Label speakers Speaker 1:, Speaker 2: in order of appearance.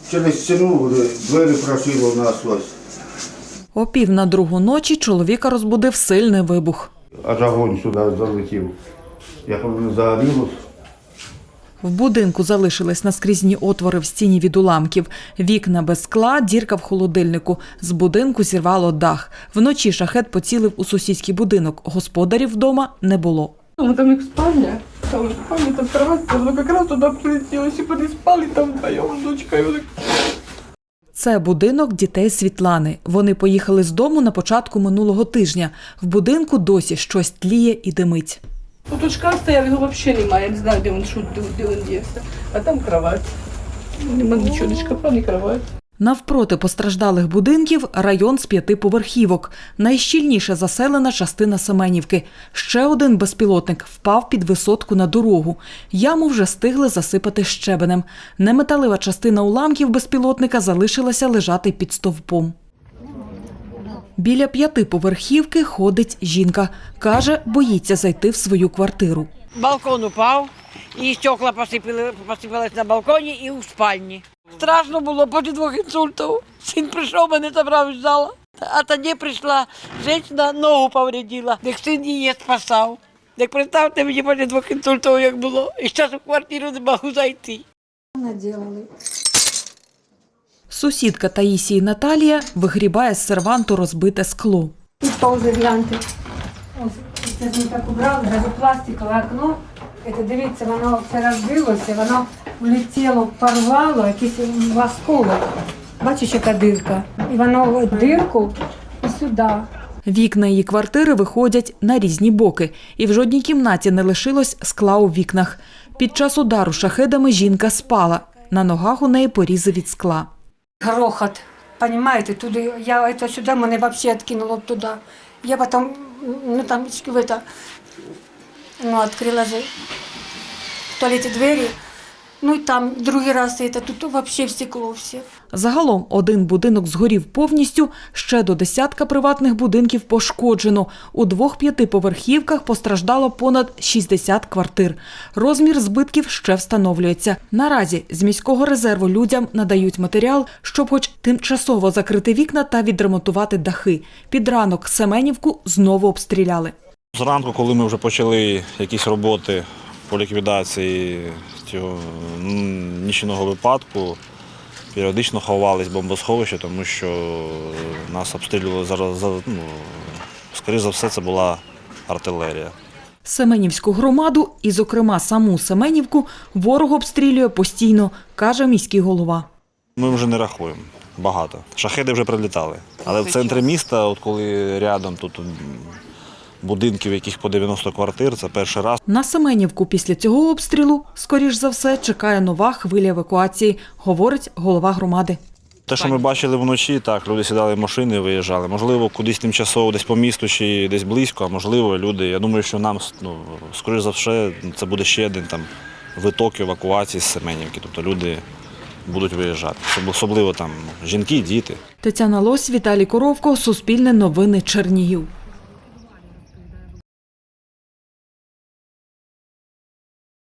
Speaker 1: Через стіну двері прошило насквозь.
Speaker 2: О 1:45 ночі чоловіка розбудив сильний вибух.
Speaker 1: Аж огонь сюди залетів. Як воно загорілося.
Speaker 2: В будинку залишились наскрізні отвори в стіні від уламків. Вікна без скла, дірка в холодильнику. З будинку зірвало дах. Вночі шахед поцілив у сусідський будинок. Господарів вдома не було.
Speaker 3: Там их спальня, там кровать, оно как раз туда прилетело, и переспали там вдвоем с дочкой.
Speaker 2: Це будинок дітей Світлани. Вони поїхали з дому на початку минулого тижня. В будинку досі щось тліє і димить.
Speaker 3: Ну, тут шкаф стоял, его вообще нема, я не знаю, где он делся. А там кровать. Нема ничего, ни шкафа, ни кровать.
Speaker 2: Навпроти постраждалих будинків район з 5 поверхівок. Найщільніше заселена частина Семенівки. Ще один безпілотник впав під висотку на дорогу. Яму вже встигли засипати щебенем. Неметалева частина уламків безпілотника залишилася лежати під стовпом. Біля 5 поверхівки ходить жінка. Каже, боїться зайти в свою квартиру.
Speaker 4: Балкон упав, і стекла посипались на балконі і у спальні. Страшно було після 2 інсультів. Син прийшов, мене забрав із зала. А тоді прийшла жінка, ногу повредила, як син її спасав. Як представте мені після 2 інсультів, як було, і зараз в квартиру не можу зайти.
Speaker 2: Сусідка Таїсії Наталія вигрібає з серванту розбите скло.
Speaker 5: Тут паузи гляньте. Ось, це ж ми так убрали, газопластикове окно. Це, дивіться, воно все розбилося, воно влетіло, порвало, якийсь осколок. Бачиш, яка дирка? І воно в дирку і сюди.
Speaker 2: Вікна її квартири виходять на різні боки. І в жодній кімнаті не лишилось скла у вікнах. Під час удару шахедами жінка спала. На ногах у неї порізи від скла.
Speaker 5: Грохот, понимаете, туди, я это сюди, мене взагалі відкинуло туди. Я потім, там, відкрила же в туалеті двері, і там другий раз, тут взагалі стекло все.
Speaker 2: Загалом один будинок згорів повністю, ще до десятка приватних будинків пошкоджено. У 2 5-поверхівках постраждало понад 60 квартир. Розмір збитків ще встановлюється. Наразі з міського резерву людям надають матеріал, щоб хоч тимчасово закрити вікна та відремонтувати дахи. Під ранок Семенівку знову обстріляли.
Speaker 6: Зранку, коли ми вже почали якісь роботи по ліквідації цього нічного випадку, періодично ховались в бомбосховище, тому що нас обстрілювали зараз, скоріше за все, це була артилерія.
Speaker 2: Семенівську громаду і, зокрема, саму Семенівку ворог обстрілює постійно, каже міський голова.
Speaker 6: Ми вже не рахуємо. Багато. Шахеди вже прилітали. Але в центрі міста, от коли рядом тут будинків, яких по 90 квартир, це перший раз.
Speaker 2: На Семенівку після цього обстрілу, скоріш за все, чекає нова хвиля евакуації, говорить голова громади.
Speaker 6: Те, що ми бачили вночі, так, люди сідали в машини і виїжджали. Можливо, кудись тимчасово, десь по місту чи десь близько, а можливо, люди, я думаю, що нам, скоріш за все, це буде ще один виток евакуації з Семенівки. Тобто люди будуть виїжджати, особливо жінки, діти.
Speaker 2: Тетяна Лось, Віталій Коровко, Суспільне новини, Чернігів.